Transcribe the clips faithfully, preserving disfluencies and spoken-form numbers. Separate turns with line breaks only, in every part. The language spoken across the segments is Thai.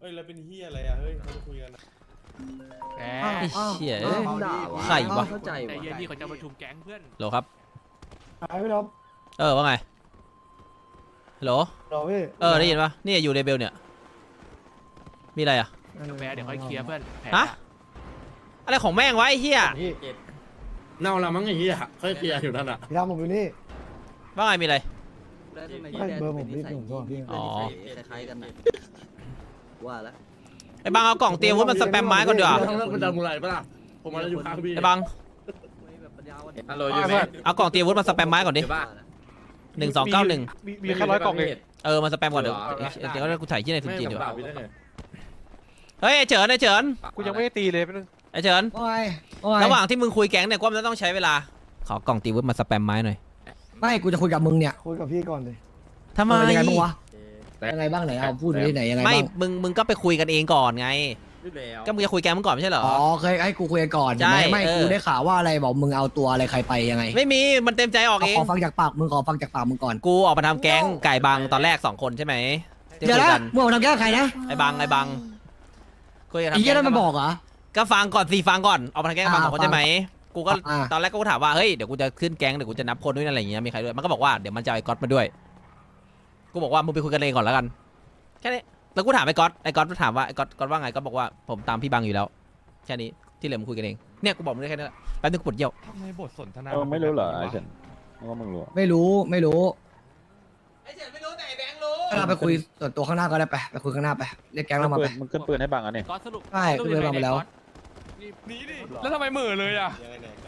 อ้ยแล้วเป็นเฮียอะไรอ่ะเฮ้ยเขาจะคุยกันแหม
ไอ้เชี่ย
ไข่วะ
เข้าใจ
แต่
วะ
เย็นนี่เขาจะประชุมแก๊งเพื่อน
โหลครับ
หายไปแล้ว
เออว่าไงฮัลโหล
รอพี่
เออได้ยินปะนี่อยู่ในเบลเนี่ยมีอะไรอ่ะ
แพ้เดี๋ยวค่อยเคลียร์เพื่อนแพ้
ฮะอะไรของแม่งวะไอ้เหี้ย
พี่
เน่าละมั้งไอ้เหี้ยค่อยเคลียร์อยู่นั่นอ่ะ
พี่ทำผมอยู่นี่
ว่าไงมีอะไร
แล้วทำไม
ไม่เบอร์ผมรีบหนุ่มก่อนพี่
อ๋อ
คล้ายๆกันนะว่าแล้ว
ไอ้บังเอากล่องเตรียมวุ้นมันสแปมไม้ก่อนดีกว่า
ต้องเลิกเป็นดำมูไรปะล่ะผมมาแล้วอยู่ข้างพี่
ไอ้บัง
ฮัลโหลอยู่ไหม
เอากล่องเตรียมวุ้นมันสแปมไม้ก่อนดิหนึ่งสองเก้าหนึ่ง
มีแค่ร้อยกล่องเอง
เออมันสแปมก่อนเดี๋ยวเดี๋ยวกูถ่ายที่ในทุน
ไม่
จีน
ผ
ดี
ม
ก
ด่า
ว่า
พี่ได้ไง
เฮ้ยไอ้เฉินไอ้เฉิน
กูยังไม่ได้ตีเลยแป๊บนึง
ไอ้เฉิน
โอ้ยโอ้ย
ระหว่างที่มึงคุยแก๊งเนี่ยก็มันต้องใช้เวลาขอกล่องเตรียมวุ้นมาสแปมไม้หน่อย
ไม่กูจะคุยกับมึงเนี่ย
คุยกับพี่ก่อนเลย
ทำไม
เออยังไงบ้างวะยังไงบ้างไหนเอาพูดดิไหนยังไง
ไม่
บ้าง
มึงมึงก็ไปคุยกันเองก่อนไง
พี่แล้ว
ก็มึงจะคุยแก๊งมึงก่อนไม่ใช่เหรอ
อ๋อเคยให้กูคุยกันก่อน
ใช่
ใช่ไหมไม่
เออ
กูได้ข่าวว่าอะไรบอกมึงเอาตัวอะไรใครไปยังไง
ไม่มีมันเต็มใจออกเอง
ขอฟังจากปากมึงขอฟังจากปากมึงก่อน
กูออกมาทำแก๊งไก่บังตอนแรกสองคนใช่ไหมที่
เดี๋ยว
คุ
นะ
กัน
มึงเอามาทำแก้ใครนะ
ไอ้บังไอ้บังคุยกัน
ไอ้
ทำ
เหี้ย
แก๊
นั่
ง
นมันบอกเหรอ
ก็ฟังก่อนสิฟังก่อนเอามาทำแก๊งกับบังสองคน
อ่า
ใช่ไหมกูก็
อ่า
ตอนแรกก็ถามว่าเฮ้ยเดี๋ยวกูจะขึ้นแก๊งเดี๋ยวกูจะนับคนด้วยอะไรอย่างเงี้ยมีใครด้วยมันก็บอกว่าเดี๋ยวมันจะเอาไอ้ก๊อตมาด้วยกูบอกว่ามึงไปคุยกันเองก่อนแล้วกันแค่นี้แล้วกูถามไอ้ก๊อตไอ้ก๊อตถามว่าไอ้ก๊อตก๊อตว่าไงก็บอกว่าผมตามพี่บังอยู่แล้วแค่นี้ที่เหลือมึงคุยกันเองเนี่ยกูบอกมึงได้แค่นี้แหละแป๊บนึงกูปวดเยี่ยว
ทำไมบทสนทนา
เออไม่รู้เหรอไอ้เฉินมึงว่ามึงรู้
ไม่รู้ไม่รู้
ไอ้เฉินไม่รู้แต่ไอ้แบงค์รู้
เราไปคุยส่วนตัวข้างหน้าก็ได้ไปไปคุยข้างหน้าไปเรียกแก๊งเรามา
ปื
ไป
นมึงขึ้นปืนให้บังอ่ะเนี่ย
ก็สรุป
ใช่กูเลยมาแล้ว
หนีดิแล้วทำไมเหม่อเลยอ่ะ
ยังไงเนี่ยก็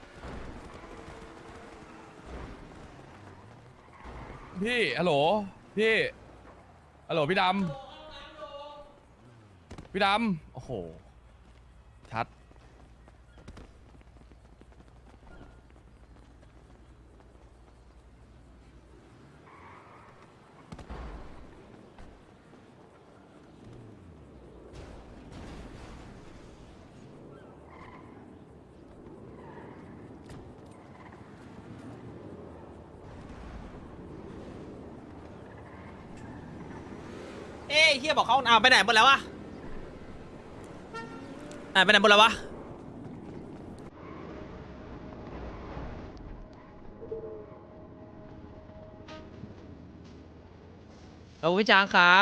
พี่ฮัลโหลพี่ฮัลโหลพี่ดำพี่ดำโอ้โหชัด
เอ้ยเฮียบอกเขาเอาไปไหนหมดแล้ววะอ่าไปไหนหมดแล้ววะเอาพี่จางครับ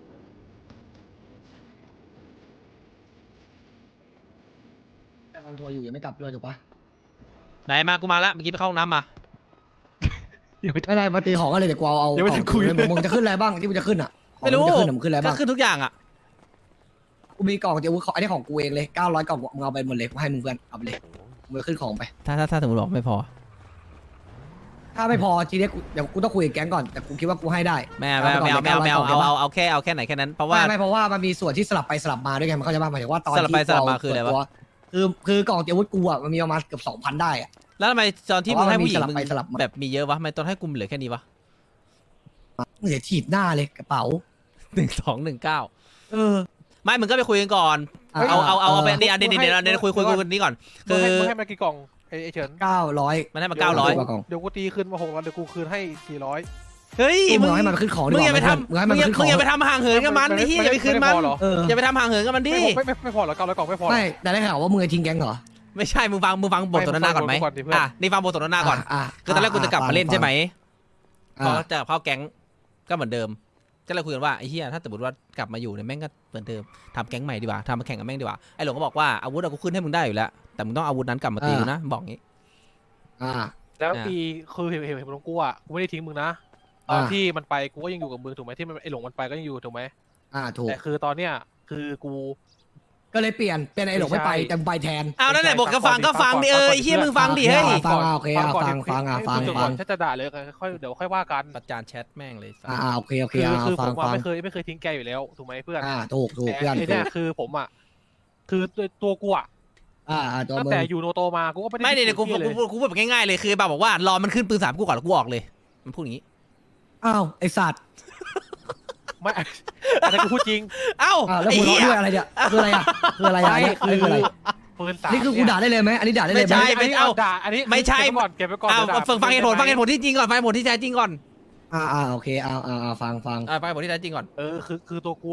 กำลังทัวร์อยู่ยังไม่กลับด้วยถูกปะ
ไหนมากูมาแล้วเมื่อกี้ไปเข้าห้องน้ำมา
ไม่ได้มาตีของกันเลยเดี๋ยวกูเอาเอา
ยังไม่ทันคุย
เอามึงมึงจะขึ้นอะไรบ้างที่มึงจะขึ้นอ่ะของ
ไม่รู้
งจะขึ้นอะมึงขึ้นอะไร
ก็
บ้าง
ขึ้นทุกอย่างอ่ะ
กูมีกล่องเดี๋ยวอันนี้ของกูเองเลยเก้าร้อยกล่องมึงเอาไปหมดเลยกูให้มึงเพื่อนเอาไปเลยมึงขึ้นของไป
ถ้าถ้าถ้าสมมติบอกไม่พอ
ถ้าไม่พอทีนี้กูเดี๋ยวกูต้องคุยกับแก๊งก่อนแต่กูคิดว่ากูให้ได้
แม่แม่แมวแมวแมวเอาเอาเอาแค่เอาแค่ไหนแค่นั้นเพราะว่า
ไม่ไม่เพราะว่ามันมีส่วนที่สลับไปสลับมาด้วยไงมันเข้าใจป่ะหมายถึงว่าตอน
สลับไป
ที่
สลับมา
เ
คืออะไรวะ
เปิดตัวคือคือกล่องเตรียมอาวุธกูอ่ะมันมีประมาณเกือบสองพันได้อ่ะ
แล้วทำไมตอนที่
เพ
มึ
ราะ
ง
ว่า
ให้ผู้หญิง
มันมีสลับ
มึง
ไปสลับมา
แบบมีเยอะวะทำไมตอนให้กูเหลือแค่นี้วะ
เสียถีบหน้าเลยกระเป๋า
หนึ่งสองหนึ่งเก้า
เออ
ไม่มึงก็ไปคุยกันก่อน
อ่ะ
เอาเอาเอาเอาไป
เออ
เดี๋ยวเดี๋ยวเดี๋ยวเดี๋ยวคุยคุยคุยกันนี้ก่อน
มึ
คื
ง
อ
ให้มึงให้มากี่กล่องไอ้ไอ้เฉิน
เก้าร้อย
มันให้มาเก้าร้อย
กล่อง
เดี๋ยวกูตีคืนมาหกร้อยเดี๋ยวกูคืนให้สี่ร้อย
เฮ้ย
มึ
มึ
ง
ง
ให้มันขึ้นของดี
มึง
ก
อย่าไป
ว่า
ทำ
มึงให้
มึ
มัน
งอย่า
ขึ้นข
มึ
อง
งอย่าไปทำห่างเหินกับมันนี่อย่าไปคืนมัน
ไม่พอเหรอ
เออ
อย่าไปทำห่างเหินกับมันดิ
ไม่ไม่ไม่พอเหรอเก้าร้อยกล่องไม่พอเหรอ
ไม่แต่ได้ข่าวว่ามึงจะทิ้งแก๊งเหรอ
ไม่ใช่มึงฟังมึงฟังบทสนทนาก่อนไหม
ไม่ฟังบทก่อนดิเพื่อน
อ่ะนี่ฟังบทสนทนาก่อน
อ่ะ
คือตอนแรกกูจะกลับมาเล่นใช่ไหมพอ
อ่ะ
จะเข้าแก๊งก็เหมือนเดิมก็เลยคุยกันว่าไอ้เหี้ยถ้าสมมติว่ากลับมาอยู่เนี่ยแม่งก็เหมือนเดิมทำแก๊งใหม่ดีกว่าทำมาแข่งกับแม่งดีกว่าไอ้หลงก็บอกว่าอาวุธเรากูขึ้นให้มึงได้อยู่แล้วแต่มึงต้องอาวุธนั้นกลับมาตีกูนะบอกงี้
อ่า
แล้ว
อ่ะ
ปีคือเห็นเห็นเห็นของกูอ่ะกูไม่ได้ทิ้งมึงนะตอน
อ่ะ
ที่มันไปกูก็ยังอยู่กับมึงถูกไหมที่มันไอหลงมันไปก็ยังอยู่ถูกไหม
อ่าถูก
แต่คือตอนเนี้ยคือกู
ก็เลยเปลี่ยนเป็นไอ้หลงไม่ไป
ไม่ใช่
แต่มึงไปแทน
อ้าวนั่นแหละบอกก็ฟังก็ฟังดิเออไอ้เหี้ยมึงฟังดิเฮ้ย
ฟังอ่ะโอเคอ่ะ
ก่น
ฟังฟังอ่ะฟัง
ให้กูจบ
ฟั
ก่อง นถ้าจะด่าเลยค่อยเดี๋ยวค่อยว่ากัน
ประจานแชทแม่งเลยสัส
อ่าโอเคโอเค
คือ
อ่ะ
คือ
ฟั
ผ
ง
มอะ
ฟัง
ไม่เคยไม่เคยทิ้งแกอยู่แล้วถูกไหมเพื่อน
อ่าถูกถูก
แต่
เพื่อน
ไอ้
ถู
เนี่ย
ก
คือผมอ่ะคือตัวตัวกูอ่ะ
อ่าอ่าตัว
ตั้ง
มึง
แต่อยู่โนโตมากูก็ไม่ได้
ไม่เดี๋ยวกู
ทิ้ง
กู
เลย
กูพูดแบบง่ายๆเลยคือแบบบอกว่ารอมันขึ้นปืนสามกูก่อนแล้วกูออกเลยมันพูดอย่างนี้
อ้าวไอสัตว์
ไม่อันนั้นกูพูดจริง
เอ้า
อ่าแล้ว
ไอ้
หัวเราะ
เหี้ย
ด้วยอะไรเนี่ยคืออะไรอ่ะคืออะไรอ่ะ
ไม่
เนี่ย
คื
คือ
อ
อะไร
ปืนสาม
นี่คือกูด่าได้เลยไหมอันนี้ด่าได้เลยไหม
ไม่ใช่
อันนี้เอาด่าอันนี้
ไม่ใช่
เก็บไว้ก่อนเก็บไว้ก่อน
อ้าว
เดี๋ยวด่า
ฟังฟังเหตุผลฟังเหตุผลที่จริงก่อนฟังเหตุผลที่แท้จริงก่อน
อ่าอ่าโอเคอ่าอ่าอ่าฟังฟัง
อ่าฟังเหตุผลที่แท้จริงก่อน
เออคือคือตัวกูอ่ะ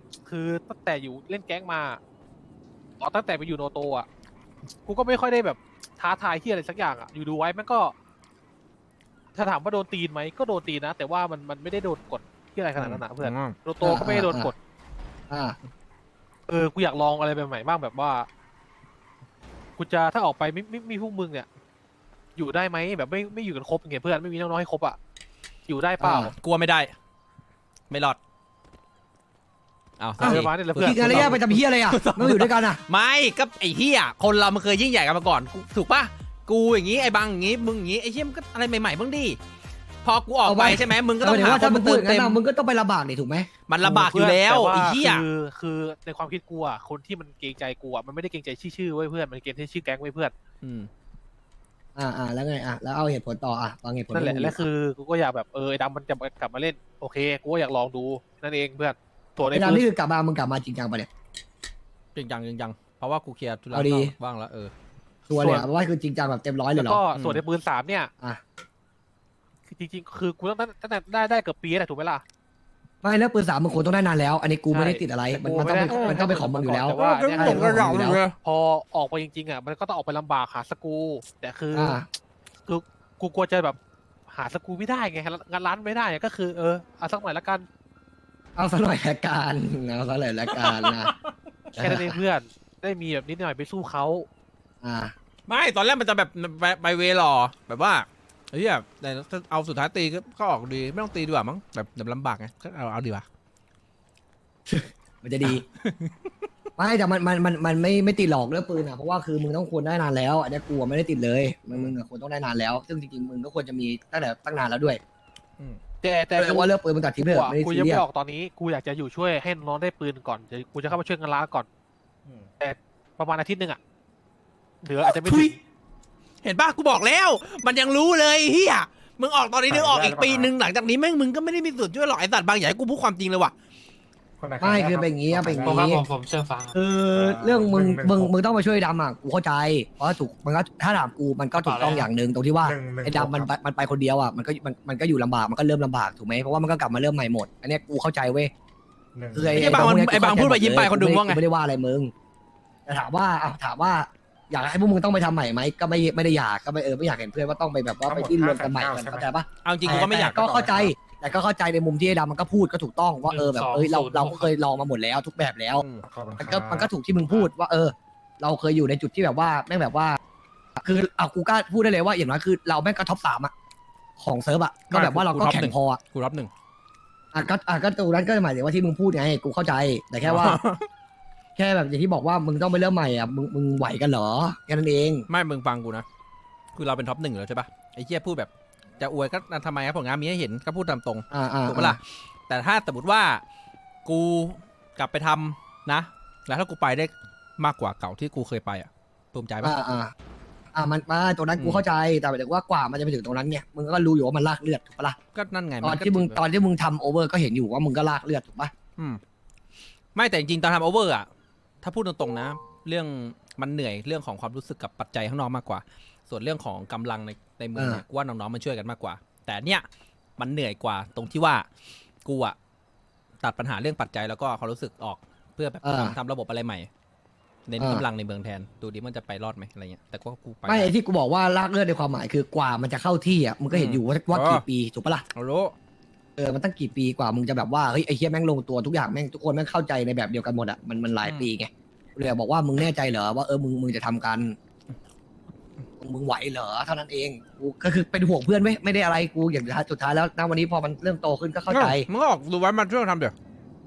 คือตั้งแต่อยู่เล่นแก๊งมาอ๋อตั้งแต่ไปอยู่โนโตอ่ะกูก็ไม่ค่อยได้แบบท้าทายที่อะไรสักอย่างอ่ะอยู่ดูไว้มันก็ ถ้าถามว่าโดนตีนไหมก็โดนตีนนะแต่ว่ามันมันไม่ได้โดนกดที่อะไรขนาดนั้นนะเพื่อนโนโตก็ไม่ได้โดนกด
อ่า
เออ กูอยากลองอะไรใหม่ๆบ้างแบบว่า กูจะถ้าออกไปไม่ไม่ไม่มีพวกมึงเนี่ย อยู่ได้ไหมแบบไม่ไม่อยู่กันครบไงเพื่อนไม่มีน้องๆให้ครบอ่ะ อยู่ได้เปล่า
กลัวไม่ได้ ไม่รอดเอา
เออมาเนี่ยแหละเพื่อน
คิดกันแล้วแยกไปทำเฮียอะไรอ่ะไม่อยู่ด้วยกันอ่ะ
ไม่ก็ไอ้เหี้ยคนเรามันเคยยิ่งใหญ่กันมาก่อนกูถูกปะกูอย่างงี้ไอ้บังอย่างงี้มึงอย่างงี้ไอ้เหี้ยมันก็อะไรใหม่ๆบ้างดิพอกูออกไปใช่ไหมมึงก็
ก็
ต้
ต้
อ
อง ง
หา
ว่า
ค
ถ้าน มึ
มาง
พู
เติ
ด
ม
อย่าง
เต็
นั้น
ม
อะมึงก็ต้องไปลำบากนี่ถูกไหม
มันลำบากอยู่แล้ว
ต่า
ไอ้เหี้ย
คือคือในความคิดกูอ่ะคนที่มันเกรงใจกูอ่ะมันไม่ได้เกรงใจชื่อๆไว้เพื่อนมันเกรงใจชื่อแก๊งไว้เพื่อน
อืม
อ่าอ่าแล้วไงอ่ะแล้วเอาเหตุผลต่ออ่ะฟังเหตุผล
นั่นแหละ
ให้มึง
และคือกูก็อยากแบบเออไอ้ดำมันจะกลับมาเล่นโอเคกูก็อยากลองดูนั่นเองเพื่อนส่วน
ไอ้
ไอ้
ดำ
ปื
นี่
น
คือกลับมามึงกลับมาจริงจังปะเนี่ย
จริงจังจริงจังเพราะว่ากูเคลียร์ธุระ
เอาดี
บ้างแล้วเออ
ตัวเลยอ่ะว่าคือจริงจังแบบเต็มร้อยเลย
แล้ว
เหรอ
ก็
อืม
ส่วนไอ้ปืนสามเนี่ย
อ่ะ
คือจริงๆ คือกูต้องตั้งแต่ได้ได้เกือบปีแล้วถูกไหมล่ะ
ไม่แล้วปืนสามมึงควรต้องได้นานแล้ว อันนี้กูไม่ได้ติดอะไร มันมันต้องเป็น
กูไม่ได้
มันต้องเป็นของมึงอยู่แล้ว
แต่ว่าเนี่ย
ใช่มันของมึงอยู่แล้ว
พอออกไปจริงๆอ่ะมันก็ต้องออกไปลำบากหาสกรูแต่คืออ
อ่า
คือกูกลัวจะแบบหาสกรูไม่ได้ไงงานร้านไม่ได้อะก็คือเออเอาสักหน่อยละกัน
เอาซะหน่อยละกันเอาซะหน่อยละกันนะ
แค่นั้นเองเพื่อนได้มีแบบนิดหน่อยไปสู้เขา
อ่า
ไม่ตอนแรกมันจะแบบไปไปเวหรอแบบว่าไอ้เหี้ยแต่ถ้าเอาสุดท้ายตีก็ก็ออกดีไม่ต้องตีดีกว่ามั้งแบบแบบลำบากไงก็เอาเอาดีกว่า
มันจะดี ไม่แต่มันมันมันมันไม่ไม่ติดหลอกเรื่องปืนอ่ะเพราะว่าคือมึงต้องควรได้นานแล้วอันนี้กูอะไม่ได้ติดเลยมึงมึงอะควรต้องได้นานแล้ว ซึ่งจริงๆมึงก็ควรจะมีตั้งแต่ตั้งนานแล้วด้วย
แต่แต่
แต่ว่าเรื่องปืนมึงตัดทิ้งไป
กู
เถอะ
อะ
ไม่ได้
กู
ซี
ยัง
เรีย
ไม่
ส
ออกตอนนี้กูอยากจะอยู่ช่วยให้น้องได้ปืนก่อนจะกูจะเข้ามาช่วยงานร้านก่อนแต่ประมาณอาทิตย์หนึงอ่ะเหลืออาจจะไม่
ทุ
ถึ
ย
ง
เห็นป่ะกูบอกแล้ว มันยังรู้เลยเฮียมึงออกตอนนี้นึงออกอีกปีนึงหลังจากนี้แม่งมึงก็ไม่ได้มีส่วนช่วยหรอกไอ้สัตว์บางอย่างให้กูพูดความจริงเลยว่ะ
ไม่คือเป็นอย่างงี้อะเป็นอย่าง
ผมครับ
งี้
ผมผมเสื้อฟ้า
คือเรื่องมึงมึงมึงต้องมาช่วยดำอ่ะกูเข้าใจเพราะถูกมันก็ถ้าถามกูมันก็ถูกต้องอย่างหนึ่งตรงที่ว่าไอ้ดำมันไปมันไปคนเดียวอ่ะมันก็มันมันก็อยู่ลำบากมันก็เริ่มลำบากถูกไหมเพราะว่ามันก็กลับมาเริ่มใหม่หมด อันเนี้ยกูเข้าใจเว้ยคือไอ้
ไอ้บางมันไอ้บางพูดไปยิ้มไปคนดูว่าไง
กูไม่ได้ว่าอะไรมึงแต่ถามว่าอ่ะถามว่า อยากให้พวกมึงต้องไปทำใหม่ไหมก็ไม่ไม่ได้อยากก็ไม่เออไม่อยากเห็นเพื่อนว่าต้องไปแบบว่าไปดิ้นรนกันใหม่กันเข้าใจปะ
เอาจริงกูก็ไม่อยาก
แต่ก็เข้าใจ แต่ก็เข้าใจในมุมที่ไอ้ดำมันก็พูดก็ถูกต้องว่าเออแบบเอ้ยเราเราก็เคยลองมาหมดแล้วทุกแบบแล้ว
อืม
มันก็มันก็ถูกที่มึงพูดว่าเออ เราเคยอยู่ในจุดที่แบบว่าแม่งแบบว่า คือเอากูกล้าพูดได้เลยว่าอย่างน้อยคือเราแม่งก็ท็อปสามอะของเซิร์ฟอะก็แบบว่าเราก็แข่งพออะ
กูรับหนึ่ง
อ่ะก็อ่ะก็ตรงนั้นก็หมายถึงว่าที่มึงพูดไงกูเข้าใจ แต่แค่ว่า แค่แบบอย่างที่บอกว่ามึงต้องไปเริ่มใหม่อะมึงมึงไหวกันเหรอแค่นั้นเอง
ไม่มึงฟังกูนะคือเราเป็นท็อปหนึ่งอยู่แล้วใช่ปะไอ้เหี้ยพูดแบบจะอวยก็ทำไมครับผลงานมีให้เห็นก็พูดตามตรง
อ่าอ่า
ถูกปะล่ะแต่ถ้าสมมติว่ากูกลับไปทำนะ แล้วถ้ากูไปได้มากกว่าเก่าที่กูเคยไปอ่ะภูมิใจปะ
อ่าอ่าอ่ามันมาตรงนั้นกู
อืม
เข้าใจแต่หมายถึงว่ากว่ามันจะไปถึงตรงนั้นเนี่ยมึงก็รู้อยู่ว่ามันลากเลือดถูกปะล่ะ
ก็นั่นไง
ตอน
ก็
ที่มึง
ถื
ตอนที่มึงทำโอเวอร์ก็เห็นอยู่ว่ามึงก็ลากเลือดถูกปะ
อืมไม่แต่จริงๆตอนทำโอเวอร์อ่ะถ้าพูดตรงๆนะ เรื่องมันเหนื่อยเรื่องของความรู้สึกกับปัจจัยข้างนอกมากกว่า ส่วนเรื่องของกำลังในในเมืองเนี่ยกูว่าน้องๆมันช่วยกันมากกว่า แต่เนี่ยมันเหนื่อยกว่าตรงที่ว่ากูอะตัดปัญหาเรื่องปัจจัยแล้วก็ความรู้สึกออกเพื่อแบบทำทำระบบอะไรใหม่เน้นกำลังในเมืองแทนดูดิมันจะไปรอดไหมอะไรเงี้ยแต่ก็กูไป
ไม่ไอ้ที่กูบอกว่าลากเลือดในความหมายคือกว่ามันจะเข้าที่อ่ะมึงก็เห็นอยู่ว่าว่ากี่ปีถูกปะล่ะ
เอารู้
เออมันตั้งกี่ปีกว่ามึงจะแบบว่าเฮ้ยไอ้เฮียแม่งลงตัวทุกอย่างแม่งทุกคนแม่งเข้าใจในแบบเดียวกันหมดอ่ะมันมันหลายปีไงเลยบอกว่ามึงแน่ใจเหรอว่าเออมึงมึงจะทำกันมึงไหวเหรอเท่านั้นเองกูก็คือเป็นห่วงเพื่อนไว้ยไม่ได้อะไรกูอย่างสุดท้ายแล้วณวันนี้พอมันเริ่มโตขึ้นก็เข้าใจ
มึงก็ออกดูไว้มาช่วยทำเดี๋ยว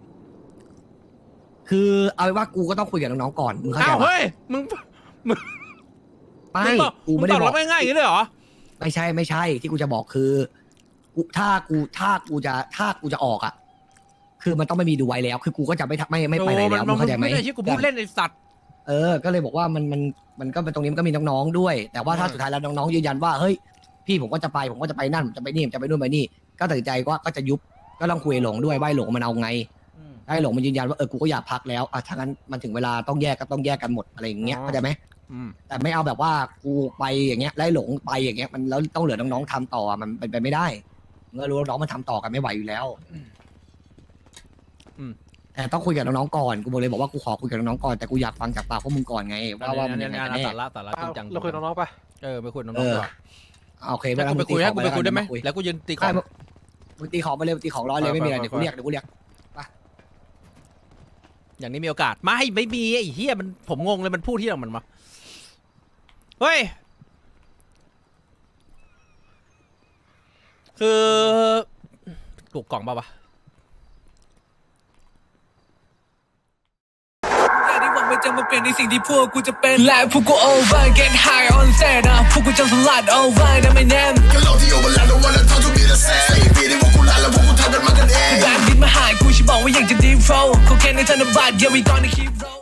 คือเอาเป็นว่ากูก็ต้องคุยกับน้องๆก่อนมึงเข้าใจ
อ้าว
ปะ
เฮ้ยมึง
ไม่
งบอก
กูไม่ได้
งต
บ
อ
อบ ก
รับง่ายๆอย่างนี้เลยเหรอ
ไม่ใช่ไม่ใช่ที่กูจะบอกคือกูถ้ากูถ้ากูจะถ้ากูจะออกอ่ะ คือมันต้องไม่มีดูไว้แล้ว คือกูก็จะไม่ทำไม่ไม่ไปไหนแล้วมึงเข้าใจไหม
ไม่ได้ที่กูพูดเล่นไอ้สัตว์
เออ ก็เลยบอกว่ามันมันมันก็เป็นตรงนี้มันก็มีน้องๆด้วย แต่ว่าถ้าสุดท้ายแล้วน้องๆยืนยันว่าเฮ้ยพี่ผมก็จะไปผมก็จะไปนั่นผมจะไปนี่ผมจะไปนู่นไปนี่ ก็ตัดสินใจว่าก็จะยุบก็ต้องคุยหลงด้วยว่าหลงมันเอาไงได้หลงมันยืนยันว่าเออกูก็อยากพักแล้วอ่ะถ้างั้นมันถึงเวลาต้องแยกก็ต้องแยกกันหมดอะไรอย่างเงี้ยเข้าใจไหม
อืม
แต่ไม่เอาแบบว่ากูไปอย่างเงี้ยไล่หลงไปอย่างเงี้ยมันแล้วต้องเหลือน้องๆทำต่อมันเป็นไปไม่ได้เมื่อรู้ว่าน้องมันทำต่อกันไม่ไหวอยู่แล้วแต่ต้องคุยกับน้องๆก่อนกูบอกเลยบอกว่ากูขอคุยกับน้องๆก่อนแต่กูอยากฟังจากปากพวกมึงก่อนไงว่าว่ามัน
เนี่
ยั
ย
งไง
งาน
กันแน่
สาระสาระจริงจัง
เราคุยกับน้องๆปะ
เออไปคุยกับน้
เอ
องๆ
อ
ก่อน
โอเค
ให้
เวลา
กูไปคุยให้กูไปคุยได้ไหม
คุย
แล้วกูยืนตีขอ
ใช่
ง
มึงตีของมาเลยมึงตีของร้อยเลยไม่มีอะไรเดี๋ยวกูเรียกเดี๋ยวกูเรียก
อย่างนี้มีโอกาสไม่ไม่มีไอ้เฮียมันผมงงเลยมันพูดที่ไหนมันมาเฮ้ยคือถูกกล่องเปล่าวะ
ที่หวังมันจะมาเปลี่ยนในสิ่งที่พวกกูจะเป็นและพวกกู over get high on set นะพวกกูจะสลัด over นะไม่แน่แบบดินมาหายกูฉันบอกว่าอยากจะ deep flow เขาแค่ในธนบัตร yeah we gonna keep roll